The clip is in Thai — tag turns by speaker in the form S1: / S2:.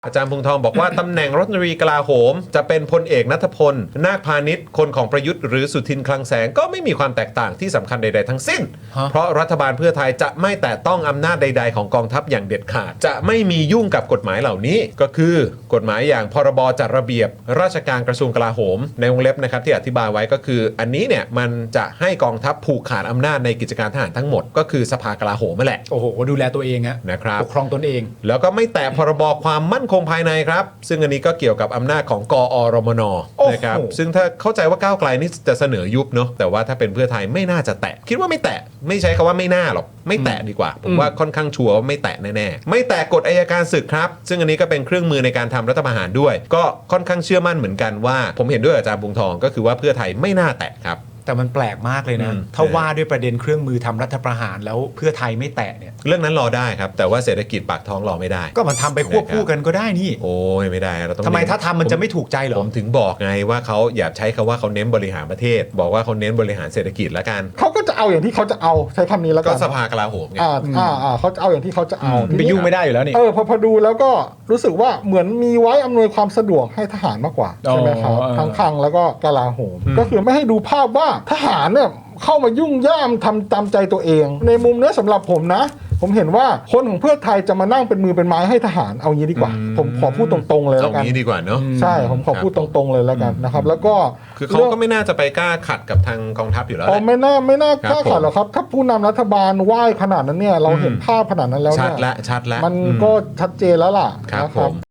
S1: อาจารย์พงษ์ทองบอกว่า ตำแหน่งรัฐมนตรีกลาโหมจะเป็นพลเอกณัฐพลนาคพาณิชย์คนของประยุทธ์หรือสุทินคลังแสงก็ไม่มีความแตกต่างที่สำคัญใดๆทั้งสิ้นเพราะรัฐบาลเพื่อไทยจะไม่แตะต้องอำนาจใดๆของกองทัพอย่างเด็ดขาดจะไม่มียุ่งกับกฎหมายเหล่านี้ก็คือกฎหมายอย่างพรบจัดระเบียบราชการกระทรวงกลาโหมในวงเล็บนะครับที่อธิบายไว้ก็คืออันนี้เนี่ยมันจะให้กองทัพผูกขาดอำนาจในกิจการทหารทั้งหมดก็คือสภากลาโหมนั่นแหละ
S2: โอ้โหดูแลตัวเองฮะ
S1: นะครับ
S2: ปกครองตนเอง
S1: แล้วก็ไม่แตะพรบความมั่นคงภายในครับซึ่งอันนี้ก็เกี่ยวกับอำนาจของกอรมนนะครับซึ่งถ้าเข้าใจว่าก้าวไกลนี่จะเสนอยุบเนาะแต่ว่าถ้าเป็นเพื่อไทยไม่น่าจะแตะคิดว่าไม่แตะไม่ใช้คำว่าไม่น่าหรอกไม่แตะดีกว่าผมว่าค่อนข้างชัวร์ว่าไม่แตะแน่ๆไม่แตะกฎอัยการศึกครับซึ่งอันนี้ก็เป็นเครื่องมือในการทำรัฐประหารด้วยก็ค่อนข้างเชื่อมั่นเหมือนกันว่าผมเห็นด้วยอาจารย์พงษ์ทองก็คือว่าเพื่อไทยไม่น่าแตะครับ
S2: แต่มันแปลกมากเลยนะถ้าว่าด้วยประเด็นเครื่องมือทำรัฐประหารแล้วเพื่อไทยไม่แตะเนี่ย
S1: เรื่องนั้นรอได้ครับแต่ว่าเศรษฐกิจปากท้องรอไม่ได้
S2: ก็มันทำไปควบคู่กันก็ได้นี่
S1: โอ้ยไม่ได้เราต้อง
S2: ทำไมถ้าทำมันจะไม่ถูกใจเหรอ
S1: ผมถึงบอกไงว่าเขาอย่าใช้คำว่าเขาเน้นบริหารประเทศบอกว่าเขาเน้นบริหารเศรษฐกิจแล้วกัน
S3: เขาก็จะเอาอย่างที่เขาจะเอาใช้คำนี้แล้วกัน
S1: ก็สภากลาโหมไง
S3: เขาจะเอาอย่างที่เขาจะเอา
S2: ไปยุ่งไม่ได้อยู่แล้วนี่
S3: พอดูแล้วก็รู้สึกว่าเหมือนมีไว้อำนวยความสะดวกให้ทหารมากกว่าใช่ไหมครับทั้งคลังแล้วก็กลาโหมก็คือไม่ให้ดูภาพว่าทหารเนี่ยเข้ามายุ่งย่ามทำตามใจตัวเองในมุมนี้สำหรับผมนะผมเห็นว่าคนของเพื่อไทยจะมานั่งเป็นมือเป็นไม้ให้ทหารเอางี้ดีกว่าผมขอพูดตรงๆเลยแล้วกัน
S1: เอางี้ดีกว่าเนาะ
S3: ใช่ผมขอพูดตรงๆเลยแล้วกันนะครับแล้วก็
S1: คือเขาก็ไม่น่าจะไปกล้าขัดกับทางกองทัพอยู่แล้ว
S3: ไม่น่ากล้าขัดหรอกครับถ้าผู้นำรัฐบาลไหว้ขนาดนั้นเนี่ยเราเห็นภาพขนาดนั้นแล้วเนี่ย
S1: ชัดแล้ว
S3: มันก็ชัดเจนแล้วล่ะ
S1: ครับผม